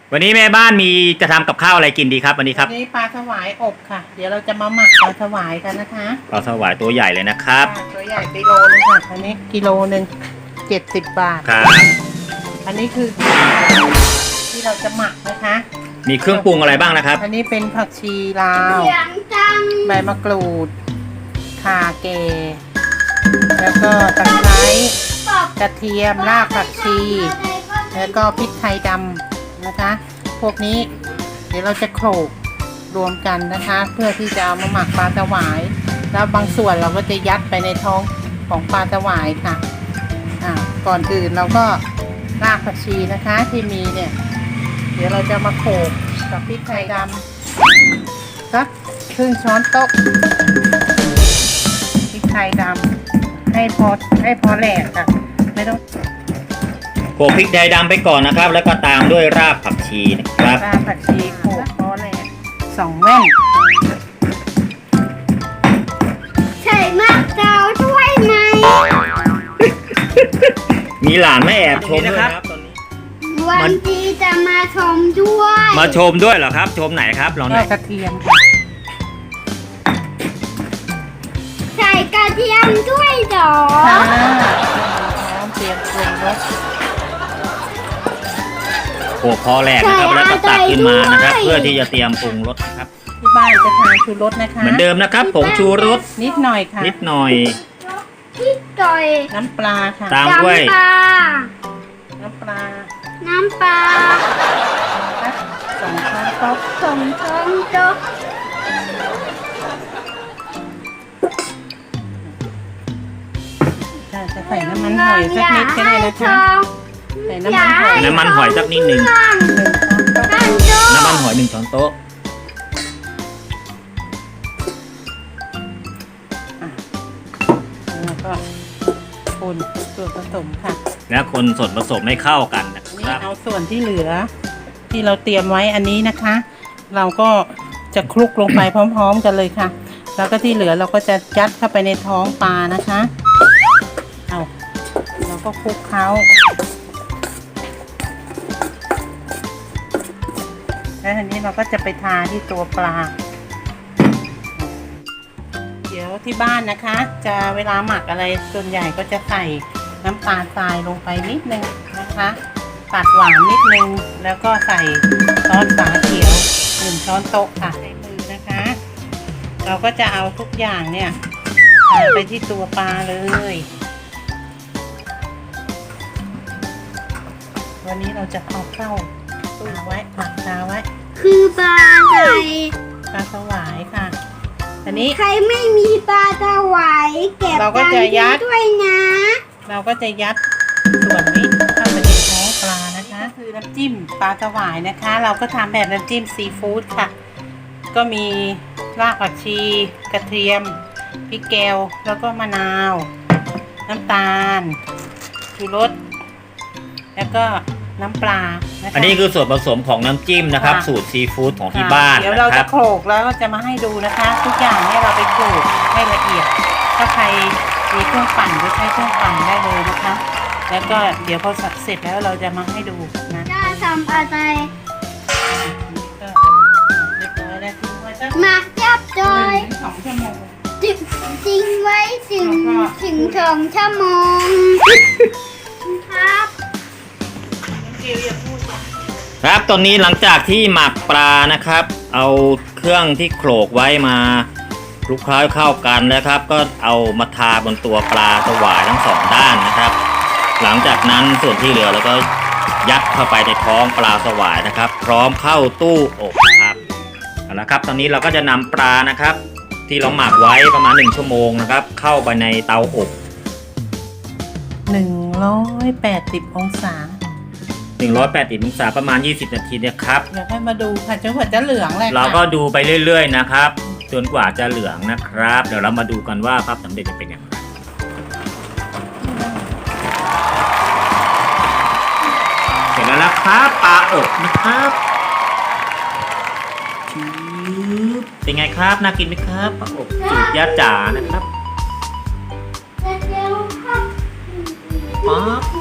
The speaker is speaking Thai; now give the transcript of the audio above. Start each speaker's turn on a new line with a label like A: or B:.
A: วันนี้แม่บ้านมีจะทำกับข้าวอะไรกินดีครับวันนี้ครับ
B: วันนี้ปลาสวายอบค่ะ เดี๋ยวเราจะมาหมักปลาสวายกันนะคะ
A: ปลาสวายตัวใหญ่เลยนะครับ
B: ตัวใหญ่กิโลนึงค่ะอันนี้กิโลนึง70 บาท
A: ครับ
B: อันนี้คือที่เราจะหมักนะคะ
A: มีเครื่องปรุงอะไรบ้างนะครับ
B: อันนี้เป็นผักชีลาวใบมะกรูดข่าเกแล้วก็ตะไคร้กระเทียมรากผักชีแล้วก็พริกไทยดำนะคะพวกนี้เดี๋ยวเราจะโขลกรวมกันนะคะเพื่อที่จะเอามาหมักปลาสวายแล้วบางส่วนเราก็จะยัดไปในท้องของปลาสวายค่ะก่อนอื่นเราก็รากผักชีนะคะที่มีเนี่ยเดี๋ยวเราจะมาโขลกกับพริกไทยดำสักครึ่งช้อนโต๊ะพริกไทยดำให้พอแหลกค่ะไม่ต้อง
A: โขลกพริกไทยดำไปก่อนนะครับแล้วก็ตามด้วยรากผักชีนะครับ
B: รากผักชีโขลกพอแหลก2 แว่น
C: ใส่มะกรูดด้วยไหม
A: มีหลานไม่แอบชมด้วยครับ
C: วันที่จะมาชมด้วย
A: มาชมด้วยเหรอครับชมไหนครับลองหน่อย
B: กระเทียมค่ะ
C: ใส่กระเทียมด้วยเหรอ
B: น้ำเตรียมปรุงรส
A: โขลกพอแหลกนะครับแล้วก็ตักขึ้นมานะครับเพื่อที่จะเตรียมปรุงรสนะครับ
B: ที่บ้านจะทานชูรสนะคะ
A: เหมือนเดิมนะครับผงชูรส
B: นิดหน่อยค่ะ
A: นิดหน่อย
C: นิดหน่อย
B: น้ำปลาค่ะ
A: ตามด้วย
B: น้ำปลา2 ช้อนโต๊ะ
C: 2 ช้อนโต๊ะ
B: จะใส่น้ำมันหอยสักนิดก็ได้นะคะใส่น้
A: ำมันหอยสักนิดหนึ่งน้ำมันหอย1 ช้อนโต๊ะ
B: แล้วก็คนส่วนผสมค่ะ
A: แล้วคนส่วนผสมให้เข้ากันนะครับ
B: เอาส่วนที่เหลือที่เราเตรียมไว้อันนี้นะคะ เราก็จะคลุกลงไปพร้อมๆกันเลยค่ะแล้วก็ที่เหลือเราก็จะยัดเข้าไปในท้องปลานะคะเราก็คลุกเคล้าแล้วทีนี้เราก็จะไปทาที่ตัวปลาเดี๋ยวที่บ้านนะคะจะเวลาหมักอะไรส่วนใหญ่ก็จะใส่น้ำตาลทรายลงไปนิดนึงนะคะตัดหวานนิดนึงแล้วก็ใส่ซอสฝาเขียว1 ช้อนโต๊ะค่ะใช้มือนะคะเราก็จะเอาทุกอย่างเนี่ยทาไปที่ตัวปลาเลยวันนี้เราจะเอาเข้าตู้ไว้ผักตาไว้
C: คือปลาอะไร
B: ปลาสวายค่ะอันนี้
C: ใครไม่มีปลาสวายเก็บ
B: เราก็จะยัด
C: ด้วยนะ
B: เราก็จะยัดส่วนนี้เข้าไปในท้องปลานะคะคือน้ำจิ้มปลาสวายนะคะเราก็ทำแบบน้ำจิ้มซีฟู้ดค่ะก็มีรากผักชีกระเทียมพริกแกงแล้วก็มะนาวน้ำตาลชูรสแล้วก็น้ำปลานะคะ
A: อันนี้คือส่วนผสมของน้ำจิ้มนะครับสูตรซีฟู้ดของที่บ้าน
B: เดี๋ยวเราจะโขลกแล้วก็จะมาให้ดูนะคะทุกอย่างเนี่ยเราไปโขลกให้ละเอียดถ้าใครมีเครื่องปั่นก็ใช้เครื่องปั่นได้เลยนะคะแล้วก็เดี๋ยวพอเสร็จแล้วเราจะมาให้ดูนะ
C: จะทำอะไร
B: เรียบร้อยแล้วทิ้งไว้สัก
C: มาจับจอย
B: 2 ชั่วโมง
C: ทิ้งไว้ถึง2 ชั่วโมงครับ
A: ครับตอนนี้หลังจากที่หมักปลานะครับเอาเครื่องที่โขลกไว้มาคลุกเคล้าเข้ากันแล้วครับก็เอามาทาบนตัวปลาสวายทั้ง2 ด้านนะครับหลังจากนั้นส่วนที่เหลือเราก็ยัดเข้าไปในท้องปลาสวายนะครับพร้อมเข้าตู้อบครับเอาละครับตอนนี้เราก็จะนำปลานะครับที่เราหมักไว้ประมาณ1 ชั่วโมงนะครับเข้าไปในเตาอบ
B: 180 องศา
A: 180 องศาประมาณ20 นาทีนะครับ
B: เดี๋ยวให้มาดูค่ะจนกว่าจะเหลืองเลย
A: เราก็ดูไปเรื่อยๆนะครับจนกว่าจะเหลืองนะครับเดี๋ยวเรามาดูกันว่าภาพสำเร็จจะเป็นอย่างไรเสร็จแล้วนะครับปลาอบนะครับเป็นไงครับน่ากินไหมครับปลาอบสูตรย่าจ๋านะครับป๊าบ